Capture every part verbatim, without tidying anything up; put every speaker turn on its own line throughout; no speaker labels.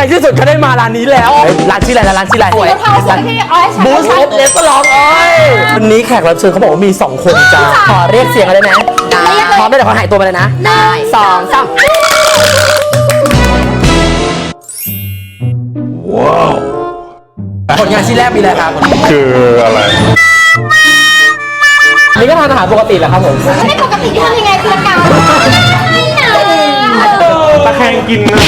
ที่สุดก็ได้มาร้านนี้แล้วร้านชื่ออะไรร้านชื่ออะไรบูสออฟเลสก็ร้องเอ้ยวันนี้แขกรับเชิญเขาบอกว่ามีสองคนจ้าขอเรียกเสียงอะไรนะพร้อมได้เดี๋ยวเขาหายตัวมาเลยนะหนึ่งสองสามว้าวผลงานชิ้นแรกมีอะไรครับ
คืออะไร
นี่ก็ทานอาหารปกติแหละครับผม
ไม่ปกติที่ทำยังไงคือการ
ตะแคงกินนะ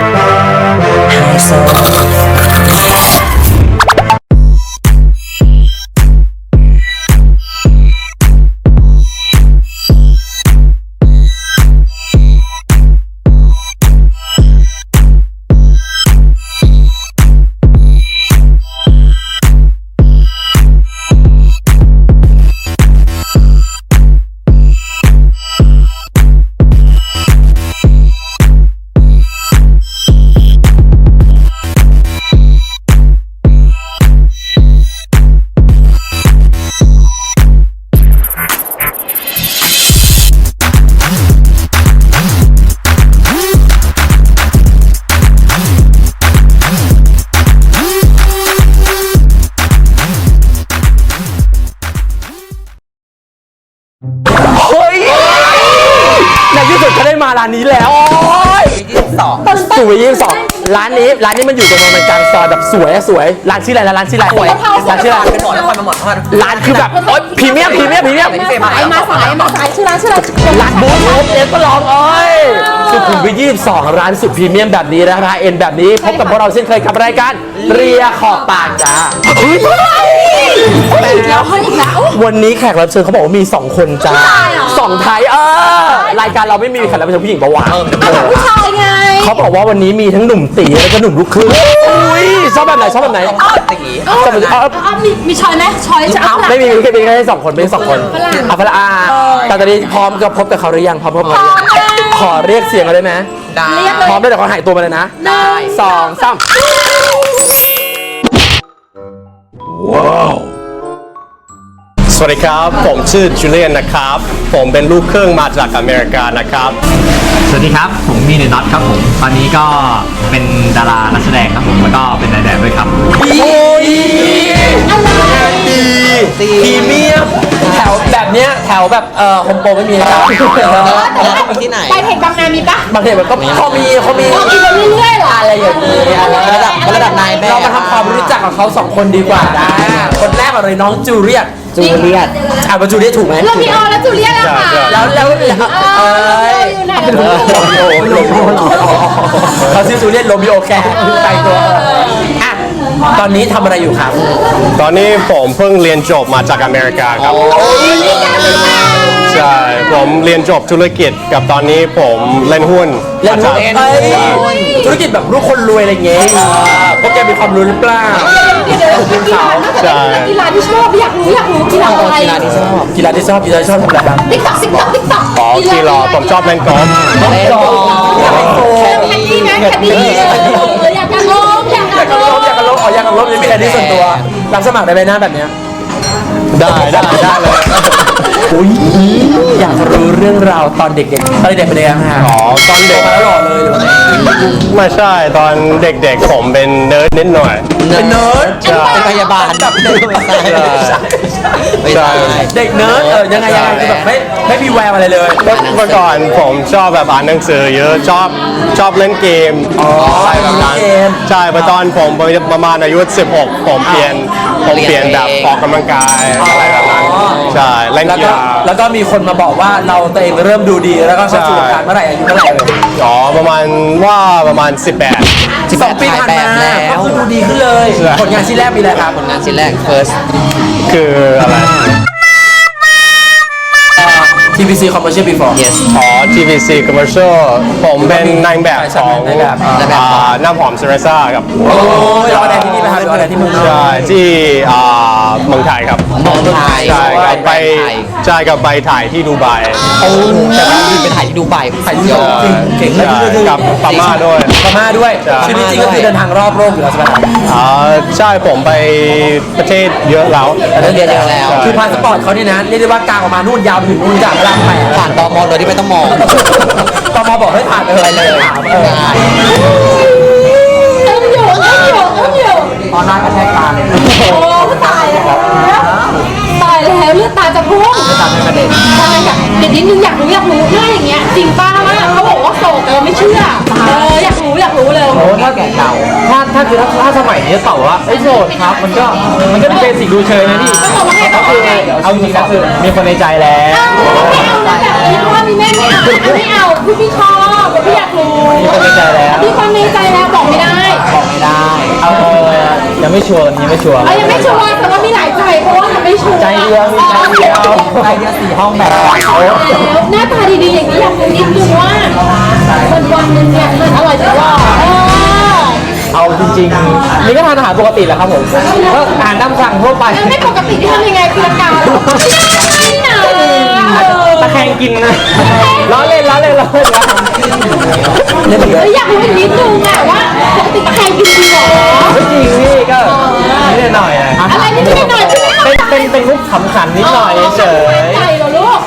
มาร้านนี้แล้วยี่สิบสองสวยยี่สิบสองร้านนี้ร้านนี้มันอยู่ตรงมันกลางซอยแบบสวยสวยร้านชื่ออะไรร้านชื่ออะไรร้านชื่ออะไรเป็นหมอนครมาหมอนครร้านคือแบบโอ๊ยพรีเมียมพรีเมียมพรีเมียม
สายมาสายมาสายชื่อร้านชื่อร้าน
ร้านบูธบูธเอ็นก็ลองเอ้ยสุขุมวิทยี่สิบสองร้านสุดพรีเมียมแบบนี้นะราคาเอ็นแบบนี้พบกับพวกเราเช่นเคยกับรายการเรียขอบปากจ้า
แล้วเฮ้ยอีกแล้ว
วันนี้แขกรับเชิญเขาบอกว่ามีสองคนจ้าสองไทยเออรายการเราไม่มีแขกรับเชิญผู้หญิงปะวะ
ผู้ชายไง
เขาบอกว่าวันนี้มีทั้งหนุ่มตีแล้วก็หนุ่มลูกครึ่งอุ้ยชอบแบบไหนชอบแบบไหน
ตีมีมีชอยไหมชอยจะ
ไม่มีแค่มีแค่สองคนไม่สองคนอ่ะพละอาแต่ตอนนี้พร้อมกับพบกับเขาหรือยังพร้อมพบเขาหรือยังขอเรียกเสียงอะไรไหม
ได้
พร้อมได้เดี๋ยวเขาหายตัวมาเลยนะหนึ่งสองสาม
ว้าวสวัสดีครับผมชื่อจูเลียนนะครับผมเป็นลูกครึ่งมาจากอเมริกานะครับ
สวัสดีครับผมมีเนน็อตครับผมตอนนี้ก็เป็นดารานักแสดงครับผมแล้วก็เป็นนายแบบด้วยครับ
โอ้ยดีพรีเมียมแถวแบบเนี้ยแถวแบบเอ่อโฮมโปรไม่มีนะครับ
ที่ไหนไปเทคบางนามีปะ
บางเทคแบบก็เขามีเขามี
กินเรื่อยๆหรอ
อะไรอย่างนี้
ระดับระดับนายแบบ
เรามาทำความรู้จักกับเขาสองคนดีกว่านะคนแรกเลยน้องจูเลียตจูเลียตอ่ะว่าจูเลียตถูกไหม
เรื่องพี่ออแล้วจูเลียตอะค่ะ
แล้วแล้วเอ้ยเขาชื่อจูเลียตโรมิโอแคร์แต่งตัวอ่ะตอนนี้ทำอะไรอยู่ครับ
ตอนนี้ผมเพิ่งเรียนจบมาจากอเมริกาครับใช่ผมเรียนจบธุรกิจกับตอนนี้ผมเล่นหุ้น
เล่นหุ้นธุรกิจแบบลูกคนรวยอะไรเงี้ยพวกแกมีความรู้หรือเปล่า
ใช่กีฬาที่ชอบอยากรู้อยากรู้กีฬาอะไร
กีฬาที่ชอบกีฬาที่ชอบกีฬาที่ชอบทำอะไรครับ
ติ๊กต๊อกติ๊กต๊อกติ๊กต๊อก
อ๋อกีฬาผมชอบเล่นกอล์ฟ
เล่นกอล์ฟอยากเล่นโกล์ฟ
แคดดี้ไหมแคดดี้อยากกันลบอยากกันลบ
อยากกันลบอ๋ออยากกันลบนี่มีแคดดี้ส่วนตัวรับสมัครได้ไหมหน้าแบบเนี้ย
ได้ได้ได้เลย
อุ้ยอยากรู้เรื่องราวตอนเด็กๆตอนเด็กเป็นยังไงฮะ
อ๋อตอนเด็ก
มาแล้วหล่อเลย
ไม่ใช่ตอนเด็กๆผมเป็นเนิร์ดนิดหน่อย
เป็นเนิร์ด
เป็นพยาบาลแบบ
ไม่ใช่เด็กเนิร์ดเออยังไงยังไงคือแบบไม่ไม่มีแววอะไรเลย
เมื่อก่อนผมชอบแบบอ่านหนังสือเยอะชอบชอบเล่นเกมอะไรแบบนั้นใช่ตอนผมประมาณอายุสิบหกผมเปลี่ยนผมเปลี่ยนแบบออกกำลังกายอะไรแบบนั้นใช่เล่นกีฬา
แล้วก็มีคนมาบอกว่าเราตัวเองเริ่มดูดีแล้วก็เข้าสู่วงการเมื่อไหร่อายุเท่าไหร่เลย
อ๋อประมาณว่าประมาณสิบแปด
สองปีผ่านมาก็คือดูดีขึ้นเลยผลงานชิ้นแรกมีอะไรครับ
ผลงานชิ้นแรก first
คืออะไร
ที วี ซี commercial before
yes
อ๋อ ที วี ซี commercial ผมเป็นนายแบบของน้ำหอมเซเรซ่าครับ
โอ้ยเราอะไรที่นี่ไหมครับเราอะไรที่เมือง
ใช่ที่เมืองไทยครับ
เมืองไทย
ใช่กับไปใช่กับไปถ่ายที่ดูไบ
โอ้แต่ว่าไปถ่ายที่ดูไบ
ถ่ายที่ดูไบเก่ง
กับพม่าด้วย
พม่าด้วยชีวิตจริงก็คือเดินทางรอบโลกอยู่แล้วใช่ไหม
อ๋อใช่ผมไปประเทศเยอะแล้ว
ประเทศเยอะแล้ว
คือพาสปอร์ตเขาเนี่ยนะเรียกได้ว่ากางออกมานู่นยาวถึงนู่นจากลำไป
ผ่านตม.โดยที่ไม่ต้องมอง
ตม.บอกให้ผ่านเลยเลยหน้ากระแทกตาเลย
โอ้ตายแล้วตายแล้วเลือดตาจะพุ่ง
ตาเป็นประเด็น
ใช่อยากเดี๋ยวนิดนึงอยากรู้อยากรู้หน้าอย่างเงี้ยจริงป้าว่าเขาบอกว่าโสดแต่เราไม่เชื่อเอออยากรู้อยากรู้เลย
โอ้ถ้าแก่เก่าถ้าถ้าคือถ้าถ้าสมัยนี้ตอบว่าไอ้โสดครับมันก็มันก็เป็นเบสิกดูเชยนะพี่
ก็บอกว่าไงก็คือไง
เอาจริงๆก็คือมีคนในใจแล้ว
ไม่เอานะแบบนี้เพราะว่ามีแม่ไม่เอาไม่เอาพี่พี่ชอบพี่อยากรู้
มีคนในใจแล้ว
มีคนในใจแล้วบอกไม่ได้
บอกไม่ได้เอาเออยังไม่ชัวร์ยังไม่ชัวร์
เอายังไม่ชัวร์แต่ว่ามีหลายใจเพราะว่ายังไม่ชัวร์
ใจเดียวมีใจเดียวใจเดียวสี่ห้องแบบ
แล้วหน้าตาดีๆอย่างนี้อยากรู้นิดนึงว่าวันวันๆนึงเนี่ยมันอร่อยจังว่าเออ
เอาจริงๆนี่ก็ทานอาหารปกติแหละครับผมก็อาหารตามสั่งทั่วไป
แล้วไม่ปกติที่ทำยังไงคือการไม่หนา
ตะแคงกินนะล้อเล่นล้อเล่นล้อเล่นล้อเล่น
เฮ้ยอยากรู้อีกนิดนึงอะว่าปกติตะแคงกินจริงเหรอ
ไม่จริงพี่ก็นิดหน่อยนะ
อะไรนิดหน่อยที่ไม่เข้า
เป็น
ใจ
เป็นเป็นมุกขำขันนิดหน่อยเฉย
ใจเหรอลูก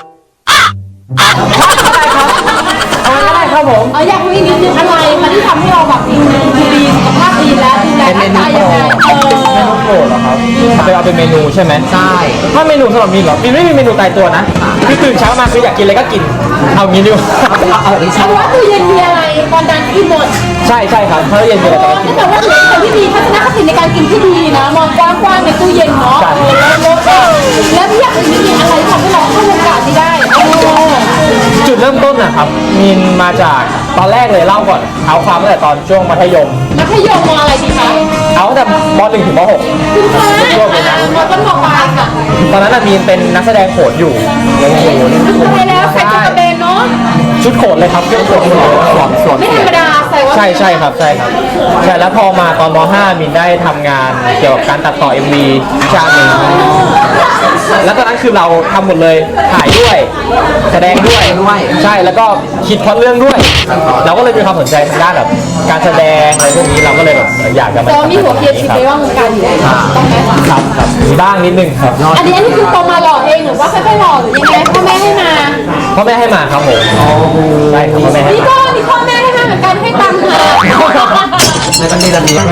เอาก็ได้ครับผม
เอออยากรู้อีกนิดนึงอะไรมันที่ทำให้เราแบบดูดีสุขภาพดีแล้วดูแลร่างกายยังไงเออ
โอ้เหรอครับไปเอาเป็นเมนูใช่ไหมใช่ถ้าเมนูสำหรับมินเหรอมินไม่มีเมนูตายตัวนะคือตื่นเช้ามาคืออยากกินอะไรก็กินเอางี้ดีกว่าเอาเอา
เอาว่าตู้เย็นมีอะไรตอนนั้นกินหมด
ใช่ใช่ครับเพราะเย็นมีอะไรก็กิน
แต่ว่าเหมือนคนที่มีทัศนคติในการกินที่ดีนะมองกว้างๆในตู้เย็นเนาะเออแล้วแล้วแล้วพี่อยากรู้นิดนึงอะไรทำให้เราเข้าวงการนี้ได้เออ
จุดเริ่มต้นนะครับมินมาจากตอนแรกเลยเล่าก่อนเอาความตั้งแต่ตอนช่วงมัธยม
มัธยมมอะไรดีคะ
เอาตั้งแต่ม .หนึ่ง ถึงม .หก
คุณคะมต้นมปลายค่ะ
ตอนนั้นน่ะมีนเป็นนักแสดงโขนอยู่โอ้โห
สุดท้ายแล้วใส่กระเบนเนาะ
ชุดโขนเลยครับชุดโขนสวมสวม
ไม่ธรรมดาใส่ว่า
ใช่ใช่ครับใช่ครับใช่แล้วพอมาตอนม .ห้า มินได้ทำงานเกี่ยวกับการตัดต่อ เอ็ม วี ชาติหนึ่งแล้วตอนนั้นคือเราทำหมดเลยถ่ายด้วยแสดงด้วยใช่แล้วก็คิดพล็อตเรื่องด้วย เราก็เลยมีความสนใจทางด้านแบบการแสดงอะไรพวกนี้เราก็เลยแบบอยากจะมา
แต่ว่ามีหัวเคียร์คิดไว้ว่าวงการอยู่แล้วต้องไหม
ครับครับมีบ้างนิดนึงครับ
อันนี้อันนี้คือโตมาหล่อเองหรือว่าค่อยๆหล่อหรือยังไงพ่อแม่ให้มา
พ่อแม่ให้มาครับผมใช่ครับพ่อแม่ให้
นี่
มา
ก็นี่พ่อแม่ให้มาเหมือนกันให้ตังค์มา
ในบันทีระนี้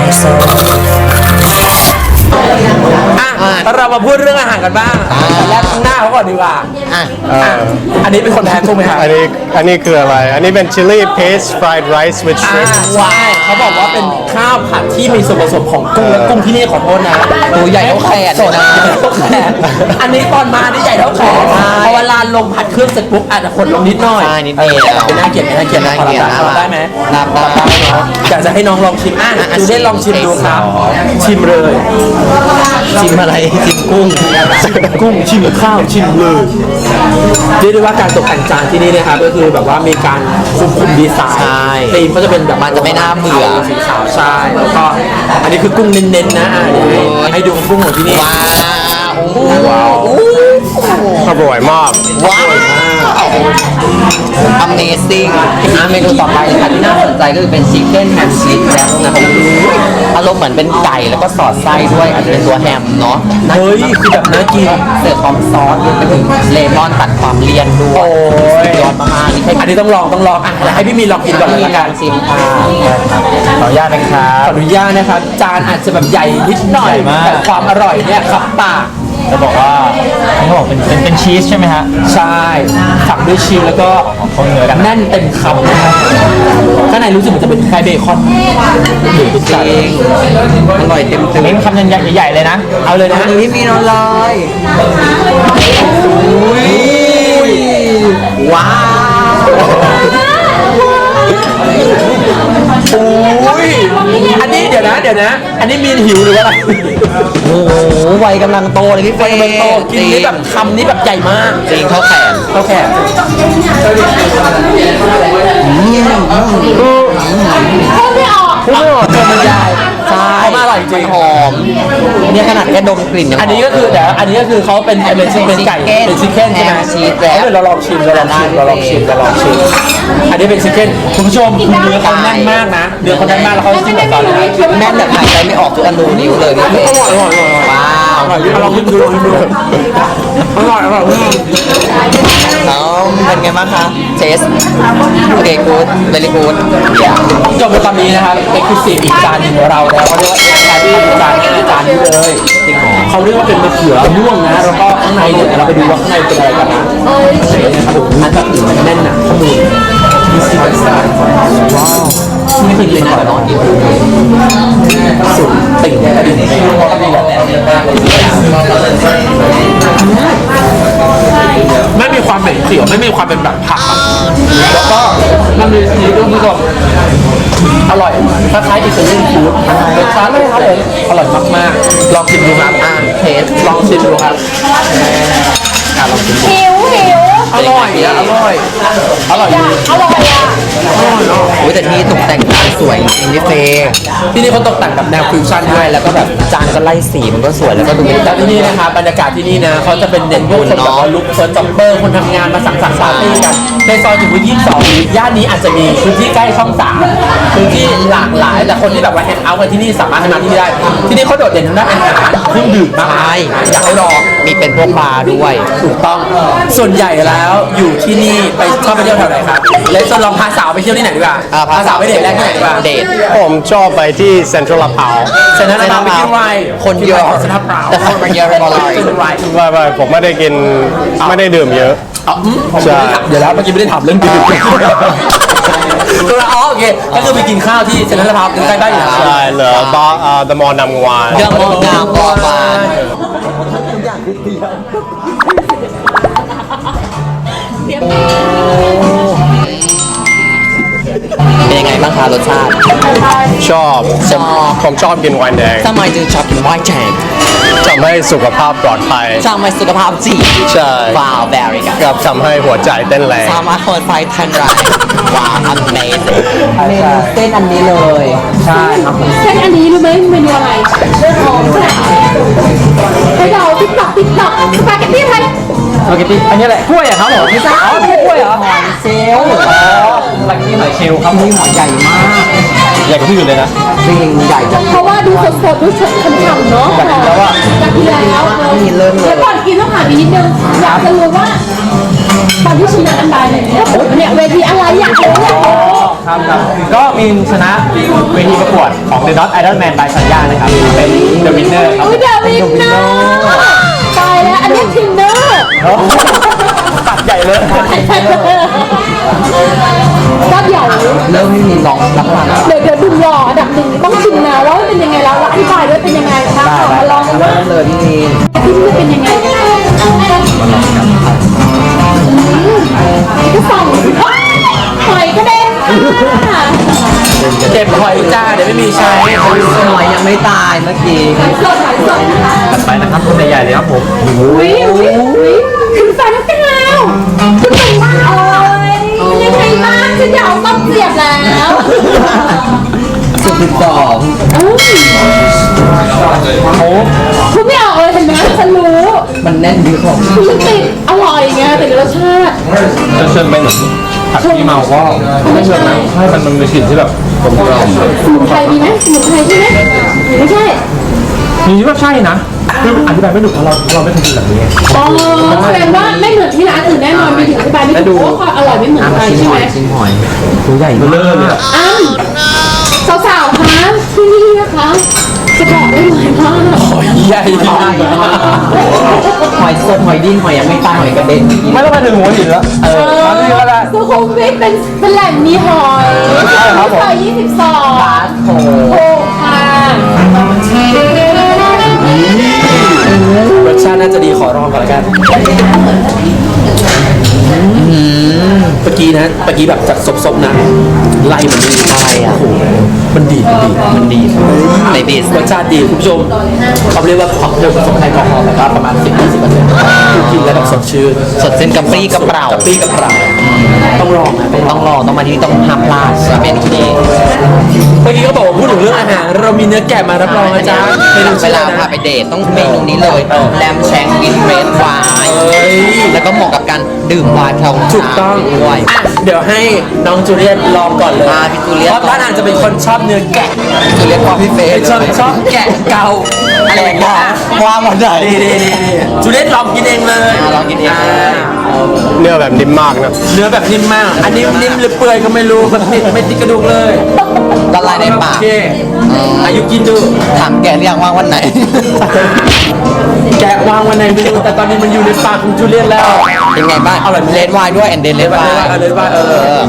อ่ะเรามาพูดเรื่องอาหารกันบ้างแรกหน้าเขาก่อนดีกว่า
เออ
อันนี้เป็นคนแทนถูกไหมครับ
อันนี้อันนี้คืออะไร อันนี้เป็น chili paste fried rice with
อ่า
shrimp
ใช่เขาบอกว่าเป็นข้าวผัดที่มีส่วนผสมของกุ้งและกุ้งที่นี่ขอโทษนะตัวใหญ่เท่าแขนเลยนะใหญ่เท่าแขนอันนี้ตอนมานี่ใหญ่เท่าแขนพอเวลาลงผัดเครื่องเสร็จปุ๊บอาจจะคนลงนิดหน่อย
ใช่นิดเดียว
เป็นน่าเกลียดน่าเกลียดน่าเกลียดรับได้ไหม
รับได้
อยากจะให้น้องลองชิมอ่ะดูได้ลองชิมดูครับ ชิมเลย
ชิมอะไรชิมกุ้ง
กุ้งชิมข้าวชิมเลยเรียกได้ว่าการตกแต่งจานที่นี่นะครับก็คือแบบว่ามีการคุมคุมดีไซน์
ใช่
ธีมก็จะเป็นแบบ
มันจะไม่น่าเบื่อ
สีขาวใช่แล้วก็อันนี้คือกุ้งเน้นๆนะอ่ะเดี๋ยวให้ให้ดูกุ้งของที่นี่
ว้าว
ว้าวอร่อยมาก
ว้าว Amazing อ่ะเมนูต่อไปค่ะที่น่าสนใจก็คือเป็นชิคเก้นแฮมชีสแจ็คนะครับอารมณ์เหมือนเป็นไก่แล้วก็สอดไส้ด้วยอาจจะเป็นตัวแฮมเนาะ
เฮ้ยคือแบบน่ากิน
เสิร์ฟพร้อมซอสรวมไปถึงเลมอนตัดความเลี่ยนด้วย
โอ้ย
สุดยอดมากๆนี่แค่
อันนี้ต้องลองต้องลองอ่ะเดี๋ยวให้พี่มีลองกินก่อนเลย
มี
ละ
กา
กัน
รชิมค่ะ
ขออนุญาตนะครับขออนุญาตนะครับจานอาจจะแบบใหญ่นิดหน่อยแต่ความอร่อยเนี่ยขับปาก
จะบอกว่าเขาบอกเป็นเป็นเป็นชีสใช่ไหมฮะ
ใช่ฝักด้วยชีสแล้วก็
เขาเนื้อดัง
แน่นเต็มคำนะครับข้างในรู้สึกเหมือนจะเป็นคล้ายเบคอนหรือเป็น
จ
ไก่
ริงอร่อยเต็มเต็ม
เน้นคำใหญ่ๆเลยนะ
เอาเลยนะ
อันนี้มีนอนลอยว้าว
อุ้ยอันนี้เดี๋ยวนะเดี๋ยวนะ อันนี้มีนหิวหรือว่าอะไร
โอ้โหวัยกำลังโตเลยพี่เฟย์
มันโตกินนี่แบบคำนี้แบบใหญ่มาก
จริงเท่าแขน
เท่าแขน
พูดไม่ออก
พูดไม่ออกเกินบรรยาย
ใช่
เขามาอร่อยจริง
หอมเนี่ยขนาดแค่ดมกลิ่นยังหม
อันนี้ก็คือเดี๋ยวอันนี้ก็คือเขาเป็นเป็นเป็นไก่เป็นชิคเก้นใช่ไหม
แฮมชีสแล้ว
เดี๋ยวเราลองชิมเราลองชิมเราลองชิมเราลองชิมอันนี้เป็นชิคเก้นคุณผู้ชมเนื้อเขาแน่นมากนะเนื้อเขาแน่นมากแล้วเขาจิ้มกับซอสนะ
แม่นแบบหายใจไม่ออกทุกอนูนิ้วเลยพี่เฟย์
อร่อยอร่อยอร่อย
ว้าว
อร่อยลองชิมดูลองชิมดูอร่อยอร่อยมาก
เอาเป็นไงบ้างคะเทสโอเคกูดเวลี่กูด
จบไปตอนนี้นะครับเอ็กซ์คลูซีฟอีกจานหนึ่งของเราแล้วเขาเรียกว่าเอ็กซ์แครี่จานนี้จานนี้เลยเขาเรียกว่าเป็นมะเขือม่วงนะแล้วก็ข้างในเนี่ยเราไปดูว่าข้างในเป็นอะไรกันนะนะครับผมอันแบบอื่นมันแน่นหนาข้อมูลมีสีสันว้าวไม่เคยกินก่อนนอนสุดติ่งเลยนะดินี่แหละไม่มีความเหม็นเขียวไม่มีความเป็นแบบผักแล้วก็มันมีสีด้วยคุณผู้ชมอร่อยคล้ายๆอิตาเลียนฟู้ดรสชาติเลยครับผมอร่อยมากๆลองชิมดูครับอ่าเทสลองชิมดูครับอ่าลองชิมดู
หิวหิว
อร่อยอ่ะอร่อยอร่อย
อยากอร่อยอ่ะ
โอ้ยแต่ที่ตกแต่งจานสวยจริงพี่เฟย์
ที่นี่เขาตกแต่งแบบแนวฟิวชั่นด้วยแล้วก็แบบ
จานก็ไล่สีมันก็สวยแล้วก็ดูมี
แล้วที่นี่นะครับบรรยากาศที่นี่นะเขาจะเป็นเน้นพวกคนแบบว่าลุคเฟิร์สจ็อบเปอร์คนทำงานมาสังสรรค์ปาร์ตี้กันในซอยจุฬายี่สิบสองย่านนี้อาจจะมีพื้นที่ใกล้ช่องสามพื้นที่หลากหลายแต่คนที่แบบว่าแฮงเอาท์กันที่นี่สามารถมาที่นี่ได้ที่นี่เขาโดดเด่นทางด้านอาหารเครื่องดื่มมากมายอยากให้ลอง
มีเป็นพวกบาร์ด้วย
ถูกต้องส่วนใหญ่แล้วอยู่ที่นี่ไปชอบไปเที่ยวแถวไหนครับแล้วจะลองพาสาวไปเที่ยวที่ไหนดีกว่า
อ่า
พาสาวไปเดทแรกที่ไหนดีกว่า
เดท
ผมชอบไปที่เซ็นทรัลลาดพร้าว
เซ็นทรัลลาดพร้าวไปที่ไร
คนเยอะ
เซ็นทรัลลาดพร้าว
แต่คนมันเยอะไปหมดเลย
เซ็นทรัลไร
ไม่ไม่ผมไม่ได้กินไม่ได้ดื่มเยอะ
อ๋ออืมผม
ใช่
ไม่ได้ถามเดี๋ยวแล้วเมื่อกี้ไม่ได้ถามเรื่องดื่มตัวละอ๋อโอเคก็คือไปกินข้าวที่เซ็นทรัลลาดพร้าวใกล้ๆบ้านอยู่แล้ว
ใช่เหรอบาร์อ่าเดอะมอลล์นำวาน
เรื่องมองงามบอกมาเป็นยังไงบ้างคะรสชาติ
ชอบผมผมชอบกินไวน์แดง
ทำไมจึงชอบกินไวน์แดง
ทำให้สุขภาพปลอดภัย
ทำให้สุขภาพดี
ใช่
ว้าว very good
กับทำให้หัวใจเต้นแรง
สามารถเปิดไฟทันไรว้าว amazing เมนูเส้นอันนี้เลย
ใช่ครับผม
เส้นอันนี้รู้ไหมเมนูอะไรหอมแซ่บไปเดาติ๊กต๊อกติ๊กต๊อกสปาเกตตี้ไทย
สปาเกตตี้อันนี้แหละกล้วยอะครับผมไม่ใช่อ๋อไม่ใช่กล้วยเหรอ
หอยเซลล์
อ๋อสปาเกตตี้หอยเชลล์ครับ
นี่หอยใหญ่มาก
ใหญ่กว่าที่อื่นเลยนะ
จริงใหญ่จัง
เพราะว่าดูสดๆดูฉ่ำๆเนาะ
อยากกินแล้วอะ
อยากกินแล้ว
นี่เริ่มเล
เดี๋ย
ยว
ก่อนกินต้องถามอีกนิดนึงอยากจะรู้ว่าตอนที่ชนะอันใดเนี่ยเนี่ยเวทีอะไรอยากรู้อยากรู้
ครับครับก็มีชนะเวทีประกวดของ The Not Idol Man by สัญญานะครับ เป็น The Winner ครับ
อุ้ยเดวินเนอร์ตายแล้วอันนี้ทินเนอร์
ตัดใหญ่เลย
ก็ใหญ่
เริ่มไม่มีลองรับรางวัล
เดี๋ยวเดี๋ยวดุมหล่ออันดับหนึ่งต้องชิมนะว่าเป็นยังไงแล้วอธิบายด้วยเป็นยังไงคะขอมาลองกันว่า
เริ่มเลยพี่มีน
ที่นี่เป็นยังไงก็ส่องหอยกระเด็น
เจ็บหอยจ้าเดี๋ยวไม่มีใช้
หอยยังไม่ตายเมื่อกี้
หอยสดหอยสด
ถัดไปนะครับคนใหญ่ๆเลยครับผม
อุ้ยอุ้ยอุ้ยคุณแฟนกันแล้วคุณเป็นว่าโอ้ยยังไงบ้างฉันอยากเอาต้มเสียบแล้ว
สุดที่สอง
คุณไม่ออกเลยเห็นไหมฉันรู้
มันแน่นดีของ
คือมันติดอร่อยไงติดรสชาติ
จะเชิญไปเหมือนผัดที่เมาก็ไม่เชิญนะให้มันมันมีกลิ่นที่แบบกลมกล่อม
สมุนไพรมีไหมสมุนไพรใช่ไหมไม่ใช่
มีว่าใช่นะคืออธิบายไม่ถูกเพราะเราเราไม่เคยกินแบบนี้
อ๋อแสดงว่าไม่เหมือนที่ร้านอื่นแน่นอนมีถึงอธิบายไม่ถูกเพราะว่าความอร่อยไม่เหมือนใคร
ชิม
ใช่
ห
ไห
อ
ม
ยชิมหอยตัวใหญ่
เบลอเลยอะ
อ้าวสาวๆคะที่นี่นะคะจะบอกได้ไหมว่า
หอยใหญ่
หอยสดหอยดิ้นหอยยังไม่ตายหอยกระเด็น
ไม่ต้องมาถึงหัวหินแล้วเออมาที่นี่ก็ได้
สุขุมวิทเป็นเป็นแหล่งมีหอยซอยยี่สิบสอง
โอ้
โอ้ค่ะ
รสชาติน่าจะดีขอลองก่อนละกันเมื่อกี้นะเมื่อกี้แบบจากซบๆนะไล่มันดี
อะไรอ่ะ
มันดีมันดีมันดี
ในดิส
รสชาติดีคุณผู้ชมเขาเรียกว่าความเร็วผสมแอลกอฮอล์นะครับประมาณ สิบถึงยี่สิบเปอร์เซ็นต์คือกินแล้วแบบสดชื่น
สดเส้นกระปรี้กระเปร่าก
ระปรี้กระเปร่าต้องลองนะ
ต้องลองต้องมาที่ต้องห้ามพลาดจะเป็นที่นี่
เมื่อกี้ก็บอกว่าพูดถึงเรื่องอาหารเรามีเนื้อแกะมารับรองนะจ๊ะเมนู
เว
ชื่อ
ลา
อะไร
พา
นะ
ไปเดทต้องเมนูนี้เลยแลมแชงกินเรดไวน์แล้วก็เหมาะกับการดื่มไวน์แถว
ถูกต้อง
ด้วย
อ่ะเดี๋ยวให้น้องจูเลียตลองก่อนเลย
อ่าพี่จูเลียต
เพราะท่านอาจจะเป็นคนชอบเนื้อแกะ
จูเลียตพอพี่เฟย์
เป็นชอบชอบแกะเกาอะไรอย่างเงี้ย
ว่าหมดเลย
นี่นี่นี่นี่จูเลียตลองกินเองเลย
ลองกินเอง
เนื้อแบบนิ่มมากนะ
เนื้อแบบนิ่มมาก อันนี้นิ่มหรือเปื่อยก็ไม่รู้แบบติดไม่ติดกระดูกเลย
ละลายในปาก
โอเคอายุกินดู
ถามแกหรือยังว่าวันไหน
แกะวางวันไหนไม่รู้แต่ตอนนี้มันอยู่ในปากของจูเลียตแล้ว
เป็นไงบ้าง
อร่อยไหม
เลดไวน์ด้วยแอนเดนเลดไวน์
เอาเลยว่าเออ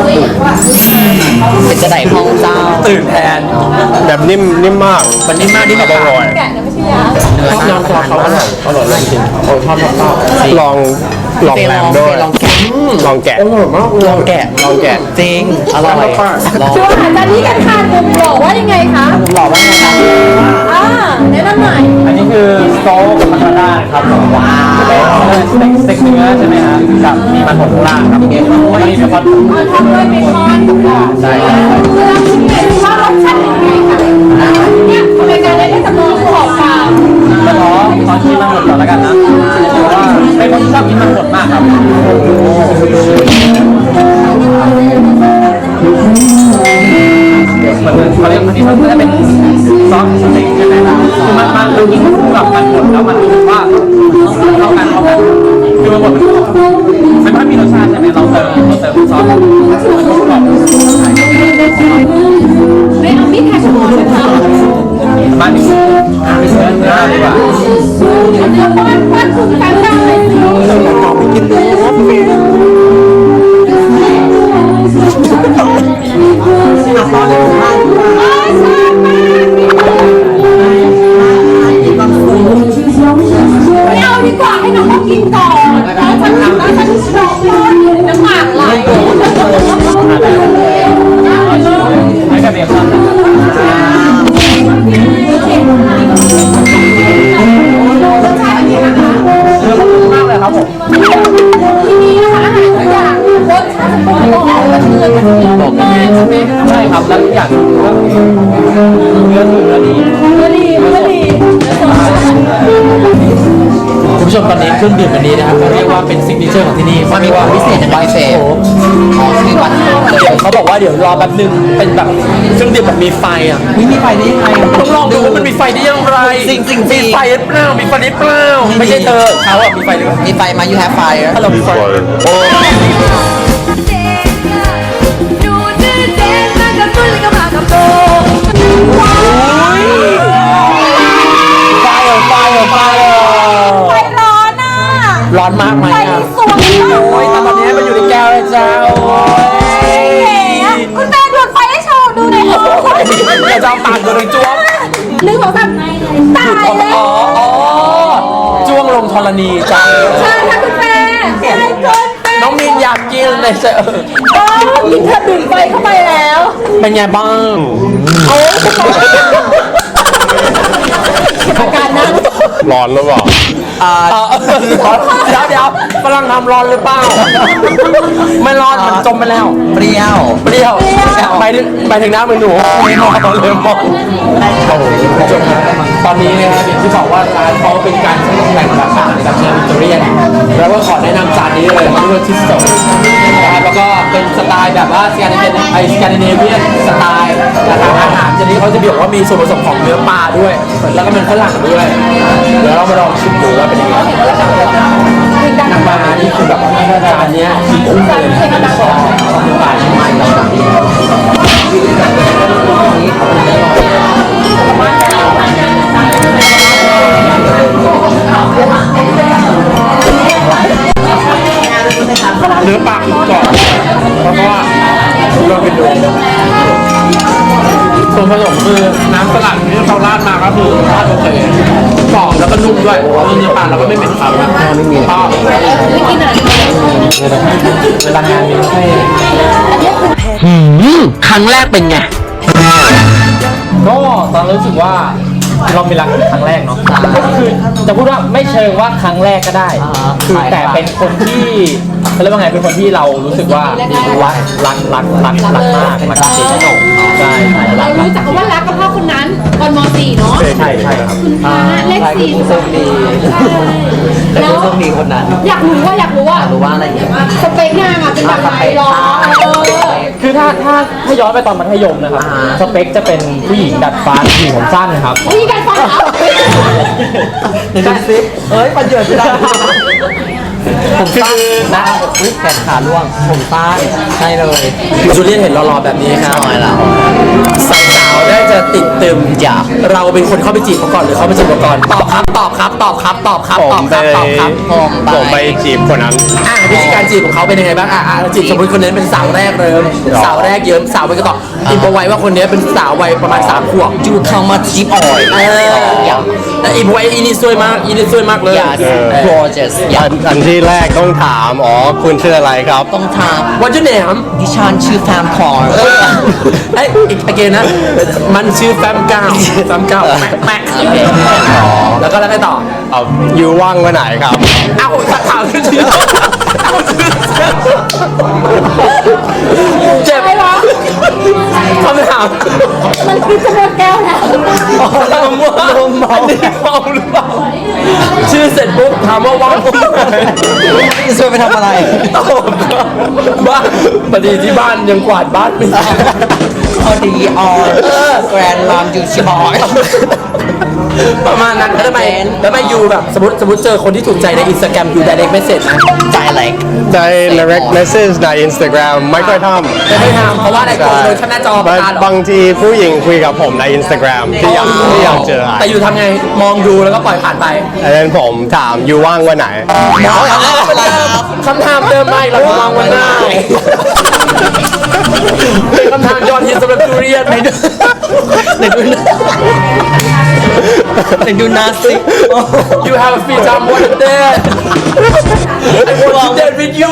เป็นจะไหนห้องเจ้า
ตื่นแทน
แบบนิ่มนิ่มมาก
มันนิ่มมากที่แบบ
อร่อย
แกะนะไม่ใช่ยา
ชอบน้ำตัวเขาอร่อยอร่อยเลยจริงโอ้ชอบชอบชอบ
ลองลองแรมด้วย
ลองแกะ
ลองแกะ
อร่อยมากเลย
ลองแกะ
ลองแกะ
จริง อร่อยลอง
ช่วงอาหารจานนี้กันทานมุมบอกว่ายังไงคะ
หล่อมากนะครับ
อ่าแนะนำหน่อย
อันนี้คือสโต๊กคาโบนาร่าครับว้าวเป็นสเต็กสเต็กเนื้อใช่ไหมฮะกับมีมันหมดข้างล่างครับแล้วก็มีเบคอน
เอาทำด้วยเบคอนค่ะ
ใช่
เวลาชิมเนี่ยว่ารสชาติเป็นยังไงคะเนี่ยรายการได้ได้จำนวนขอบฟาร์ม
ก็ขอขอชิมมันหมดก่อนแล้วกันนะเพราะว่าเป็นคนที่ชอบกินมันหมดมากครับเหมือนเขาเรียกอันนี้มันจะเป็นซอสสเต็กใช่ไหมคือมันมันดูกินคู่กับมันหมดแล้วมันรู้สึกว่าเข้ากันเข้ากันคือมันหมดมันไม่มีรสชาติใช่ไหมเราเติมเราเติมซอสมันก็กรอบ
ไม่เอามีดแทงคอเลยค่ะ
มาถึงเนื้อเนื้อดีกว่า
เดี๋ยวป้อนป้อนคุณกันได้เลยสิ
หอมไปกินดู
ไม่เอาดีกว่าให้น้องเขากินก่อนแล้วฉันแล้วฉันรอป้อนอยู่น้ำหมากไหล
ให้กับเบคอนนะครับ
รสชาติเป็นยังไงนะคะ
เนื้อมันนุ่มมากเลยครับผม
ที่นี่นะคะอาหารทุกอย่างรสชาติจะต้องออกมาเนื้อกันดีมากใช่ไหม
ใช่ครับแล้วอีกอย่างก็เนื้อคือเนื้อดี
เนื้อดีเนื้อดี
คุณผู้ชมตอนนี้เครื่องดื่มอันนี้นะครับเขาเรียกว่าเป็นซิกเนเจอร์ของที่นี่
มันมีความพิเศษยังไงพิเศษอ๋อคือวัน
เดี๋ยวเขาบอกว่าเดี๋ยวรอแป๊บนึงเป็นแบบเครื่องดื่มแบบมีไฟอ่ะ
ไม่มีไฟได้ยังไง
ต้องลองดูว่ามันมีไฟได้อย่างไร
จริงจริงจริง
มีไฟหรือเปล่ามีไฟหรือเปล่าไม่ใช่เธอเขาอ่ะมีไฟหรือเปล่า
มีไฟมา you have fire
ถ้าเรามีไฟโอ้ ไฟเหรอไฟเหรอไฟเหรอ
ไฟร้อนอ่ะ
ร้อนมากไหม
ไฟ
อ่ะ
สวยมาก
โอ้ยแต่ตอนนี้มันอยู่ในแก้วเลยจ้าโอ้ย
เก๋อะคุณแม่ดูดไฟให้โชว์ดูหน่อยค่ะ
เดี๋ยวจะเอาปากโดนจ้วง
หนึ่งสองสามตายแล้ว
อ๋ออ๋อจ้วงลงธรณีจ้า
ใช่ค่ะคุณแม่ใช่คุณแม่
น้องมินอยากกินเลยเจอ
โอ้กินเธอดื่มไฟเข้าไปแล้ว
เป็นไงบ้าง
โอ้อาการนั้น
ร้อนหรือเปล่า
อ่าเดี๋ยวเดี๋ยวฝรั่งทำร้อนหรือเปล่า ไม่ร้อนมันจมไปแล้ว
เปรี้ยว
เปรี้ยวไปถึงไปถึงน้ำมือหนูเลมอนเลมอนโอ้โหจบตอนนี้นะครับอย่างที่บอกว่าร้านเขาเป็นการใช้แหล่งแบบอาหารแบบแนววิกตอเรียนแล้วก็ขอแนะนำจานนี้เลยมันเรียกว่าทิสโต้นะครับแล้วก็เป็นสไตล์แบบว่าสแกนดิเนไอสแกนดิเนเวียนสไตล์นะครับอาหารชนิดนี้เขาจะบอกว่ามีส่วนผสมของเนื้อปลาด้วย แล้วก็เป็นฝรั่งด้วยเดี๋ยวเรามาลองชิมดูว่าเป็นยังไงน้ำปลานี่คือแบบจานเนี้ยคือคุ้มเลยนะชอบชอบเนื้อปลาใช่ไหมเนื้อปลาคือกรอบเพราะว่าเราไปดูส่วนผสมคือน้ำสลัดที่เขาราดมาก็คือราดโอเคกรอบแล้วก็นุ่มด้วยเนื้อปลาแล้วก็ไม่เหม็นคาวนะชอบ
ไม่กินอะไร
เวลางานนี้ให้
ครั้งแรกเป็นไง
ก็ตอนรู้สึกว่าเรามีรักครั้งแรกเนาะคือจะพูดว่าไม่เชิงว่าครั้งแรกก็ได้ คือแต่เป็นคนที่เขาเรียกว่าไงเป็นคนที่เรารู้สึกว่ารักรักรักรักรักมากรักจริงๆใช่ใช่รั
เรา
กมาก
รู้จักคำว่ารักกับพ่อคนนั้นตอนม .สี่ เนาะ
ใช่ใช่ครับ
อ่าเลขสี่
โชคดี
ใช่
แต่
แล้ว
ผู้โชคดีคนนั้น
อยากรู้ว่าอยากรู้ว่า
รู้ว่าอะไรอย่างเงี้ย
สเปคนางอ่ะเป็นแบบไหนหรอเออ
คือถ้าถ้าถ้าย้อนไปตอนมัธยมนะครับ
อ่า
สเปคจะเป็นผู้หญิงดัดฟันผู้หญิงผมสั้นครับ
วิธีการฟังเหรอ
ในดูซิเอ้ยปัญญาจะได้ผมสั้นนะอุ้ยแขนขาล่วงผมสั้นใช่เลย
จูเลียนเห็นหล่อๆแบบนี้ครับ
น้อยแล้ว
สาวๆน่าจะติดตึมอยากเราเป็นคนเข้าไปจีบเขาก่อนหรือเขาไปจีบเราก่อนตอบครับตอบครับตอบครับตอบครับ
ผ
ตอ
ม
บ
ไป
ครับตอบครับ
ผมไปจีบคนนั้น
อ่ะวิธีการจีบของเขาเป็นยังไงบ้างอ่ะอ่ะจีบสมมติคนนี้เป็นสาวแรกเริ่ม
หรอ
สาวแรกเยิ้มสาวไปก็ตอบอินพอไว้ว่าคนนี้เป็นสาววัยประมาณสามขวบ
จูเข้ามาจีบอ่อย
เออแต่อินพอไว้อินี่ซวยมากอินี่ซวยมากเลย
อย่า
เออ
gorgeous อย่า
อันอันที่แรกต้องถาม อ๋อ คุณชื่ออะไรครับ
ต้องถาม
วันจุดแหนม
ดิฉันชื่อแฟมคอร์
เออเอ้ยอีกอีกเกนนะ มันชื่อแฟมเก้าแฟมเก้าแม็กแม็กโอเคแล้วก็แล้วไปต่อ
เอาอยู่ว่างวันไหนครับ
เอ้าสักถามขึ้นทีเจ็บ
ใช่เหรอ
คำถาม
มันคือจะหมดแก้วแล้ว
ลมว่าลมเมาหรือเปล่าชื่อเสร็จปุ๊บถามว่าว่างปุ๊บ
ช่วยไปทำอะไร
ตอบบ้านพอดีที่บ้านยังกวาดบ้านไม่ได้
พอดีออแกรนด์ลามยูชิบอย
ประมาณนั้นแล้วทำไมแล้วทำไมยูแบบสมมติสมมติเจอคนที่ถูกใจในอินสตาแกรมยู direct message นะ
ใจอะไร
ใน direct message ใน Instagram ไม่ค่อยทำ
ไม่ได้ทำเพราะว่าในกลุ่มโดยแค่หน้าจอประกาศหรอบ
างทีผู้หญิงคุยกับผมใน Instagram ที่อยากที่อยากเจออะ
แต่ยูทำไงมองดูแล้วก็ปล่อยผ่านไป
อันนั้นผมถามอยู่ว่างวันไหน
คำถามเดิมไม่เรามองวันหน้าเป็นคำถามยอดฮิตสำหรับจูเรียนในดูในดู
แต่ดูนาสิ
You have a free time one day I want to date with you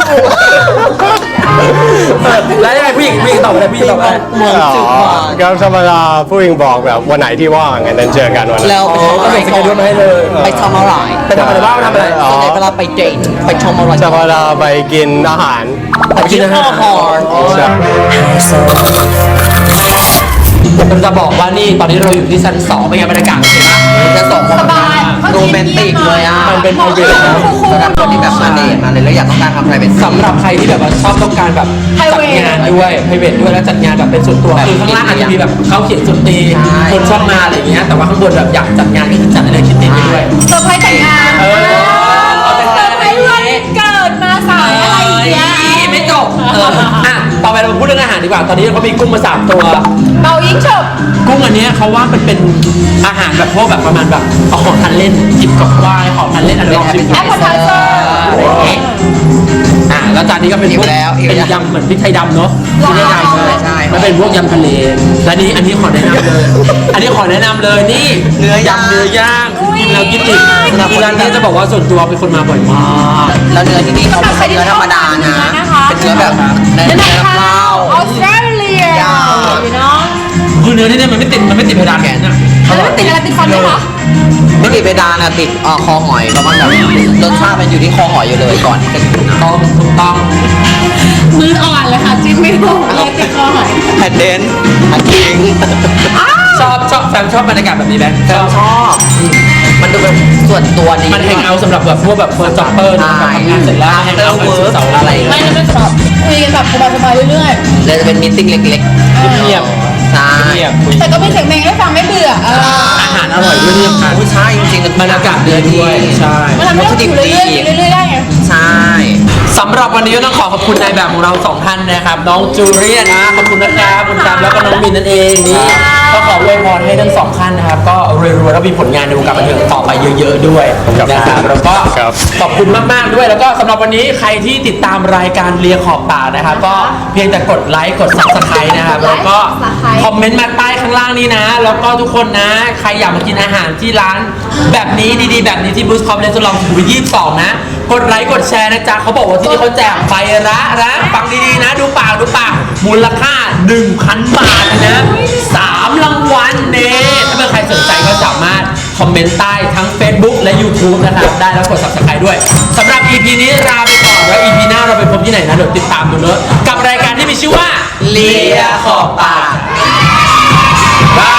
แล้วยังไงผู้หญิงผู้หญิงตอบอะไรผู้หญิงตอบอะไร
อ๋อก็ธรรมดาผู้หญิงบอกแบบวันไหนที่ว่างงั้นนั้นเจอกันวันนั้น
แล้ว
อ๋อก็ส่งสเกจดูมาให้เลย
ไปทำอะไร
ไปทำอะไรบ้างทำอะไร
อ๋อ
ส่วนใหญ่เวลาไปเดทไปชมอะไร
ธรรมดาไปกินอาหาร
ไปกินอาหาร
ใช่
ผมจะบอกว่านี่ตอนนี้เราอยู่ที่ชั้นสองเป็นไงบรรยากาศเห็นปะ
จะส่ง
สบาย
โรแมนติกเลยอ่ะ
มันเป็น private นะ
สำหรับคนที่แบบมาเดทมาเลยแล้วอยากต้องการทำอะไรเป็น
สำหรับใครที่แบบว่าชอบต้องการแบบจัดงานด้วยไพรเวทด้วยแล้วจัดงานแบบเป็นส่วนตัวคือข้างล่างอาจจะมีแบบเขาเขียนดนตรีคนชอบมาอะไรอย่างเงี้ยแต่ว่าข้างบนแบบอยากจัดงานก็คือจัดอะไรคิดติดไปด้วย
เซอร์ไพรส์แต่งงาน
เออ
เซอร์ไพรส์วันเกิดมาสายอะไรอย่างเงี้ย
ไม่จบเอออ่ะต่อไปเรามาพูดเรื่องอาหารดีกว่าตอนนี้เขามีกุ้งมาสามตัว
เป่ายิงฉบ
กุ้งอันเนี้ยเขาว่ามันเป็นอาหารแบบพวกแบบประมาณแบบเอาของทานเล่นจิบกับวายของทานเล่นอันนี้ลองชิม
แอปเปิลไทเซอร์
อะไรอย่างเงี้ยอ่ะแล้วจานนี้ก็เป็นพวก
แล้ว
เป็นยำเหมือนพริกไทยดำเนาะพริกไทยดำ
ใช่ใช่
มันเป็นพวกยำทะเลและนี้อันนี้ขอแนะนำเลย อันนี้ขอแนะนำเลยนี่
เนื้อย่าง
ยำเนื้อย่างกินแล้วกินอีกคือร้านนี้จะบอกว่าส่วนตัวเป็นคนมาบ่อยมาก
แล้วเนื้อที่นี่เขาไม่ใช่เนื้อธรรมดานะ เป็นเนื้อแบบเนื้อ
เนื้อ
น้ำ
นา
เล่า
ออสเตรเลียอยู่เนาะ
คือเนื้อที่เนี่ยมันไม่ติดมันไม่ติดเพดานแขนนะ
แล้วมันติดอะไรติดฟันไหมคะ
ไม่ติดเพดานอะติดเอ่อคอหอยประมาณแบบรสชาติมันอยู่ที่คอหอยอยู่เลยก่อนที่จะกินนะ
ต้องถูกต้อง
มืออ่อนเลยค่ะจิ้มไม่ถูกเลยติดคอหอย
แผ่นเดนอันคิง
ชอบชอบแฟนชอบบรรยากาศแบบนี้ไหมชอบ
ชอบมันดูเป็นส่วนตัวดี
มันแฮงเอาท์สำหรับแบบพวกแบบเฟิร์สจ็อบเปอร์นะแบบทำงานเสร็จแล้วแฮงเอาท์กันสุดเสาร์อะไร
ไม่นะไม่สำหรับคุยกันแบบสบายๆเรื่อย
เลยจะเป็นมิทติ้งเล็กๆ
เงียบ
ใช่
เงียบคุย
ๆ แต่ก็มีเสียงเพลงให้ฟังไม่เบื่อเออ
อาหารอร่อยด้วยที่สำคัญ
ผู้ชายจริงๆ
บรรยากาศดีด้วยใช่
มันทำให้เราอยู่เรื่อยๆเรื่อยๆได้ไง
ใช่
สำหรับวันนี้ก็ต้องขอขอบคุณนายแบบของเราสองท่านนะครับน้องจูเลียนะขอบคุณนะครับคุณจำแล้วก็น้องมินนั่นเองนี่ก็ขออวยพรให้ทั้งสองท่านนะครับก็รวยๆแล้วมีผลงานในวงการบันเทิงต่อไปเยอะๆด้วยนะครับแล้วก็ขอบคุณมากๆด้วยแล้วก็สำหรับวันนี้ใครที่ติดตามรายการเลียขอบตานะครับก็เพียงแต่กดไลค์กด ซับสไครบ์ นะครับแล้วก็คอมเมนต์มาใต้ข้างล่างนี้นะ แล้วก็ทุกคนนะใครอยากมากินอาหารที่ร้านแบบนี้ดีๆแบบนี้ที่บูสคอมเลนส์ลองถึงวันที่ยี่สิบสองนะกดไลค์กดแชร์นะจ๊ะเขาบอกว่าที่นี่เขาแจกไฟระนะฟังดีๆนะดูปากดูปากมูลค่า หนึ่งพัน บาทนะสามรางวัลเน่ถ้าเป็นใคร
สนใจก็สามารถคอมเมนต์ใต้ทั้ง Facebook และ YouTube นะครับได้แล้วกด Subscribe ด้วยสำหรับ อี พี นี้ลาไปก่อนแล้ว อี พี หน้าเราไปพบที่ไหนนะเดี๋ยวติดตามดูเนอะกับรายการที่มีชื่อว่าเลียขอบปากบาย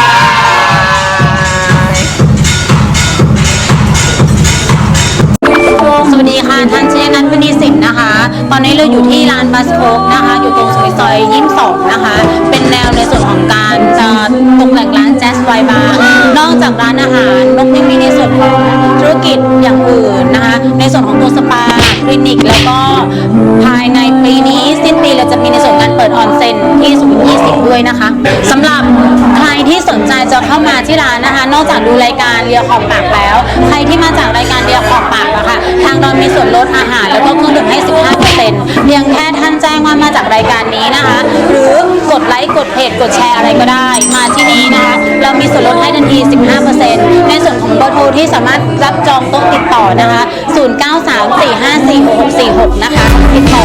สวัสดีค่ะท่านชยนันท์ พนีสินนะคะ ตอนนี้เราอยู่ที่ร้านบัสโคกนะคะ อยู่ตรงซอยซอยยี่สิบสองนะคะ เป็นแนวในส่วนของการจะตกแต่งร้านแจ๊สไวน์บาร์นอกจากร้านอาหารนกยังมีในส่วนของธุรกิจอย่างอื่นนะคะ ในส่วนของตัวสปาคลินิกแล้วก็ภายในปีนี้สิ้นปีเราจะมีในส่วนการเปิดออนเซ็นที่ศูนย์ยี่สิบด้วยนะคะสำหรับใครที่สนใจจะเข้ามาที่ร้านนะคะ นอกจากดูรายการเรียขอบปากแล้ว ใครที่มาจากรายการเรียขอบปากอะค่ะทางเรามีส่วนลดอาหารแล้วก็เครื่องดื่มให้ สิบห้าเปอร์เซ็นต์ เพียงแค่ท่านแจ้งว่ามาจากรายการนี้นะคะ หรือกดไลค์กดเพจกดแชร์อะไรก็ได้ มาที่นี่นะคะ เรามีส่วนลดให้ทันที สิบห้าเปอร์เซ็นต์ ในส่วนของเบอร์โทรที่สามารถรับจองโต๊ะติดต่อนะคะ ศูนย์ เก้า สาม สี่ ห้า สี่ หก หก สี่ หก นะคะ ติดต่อ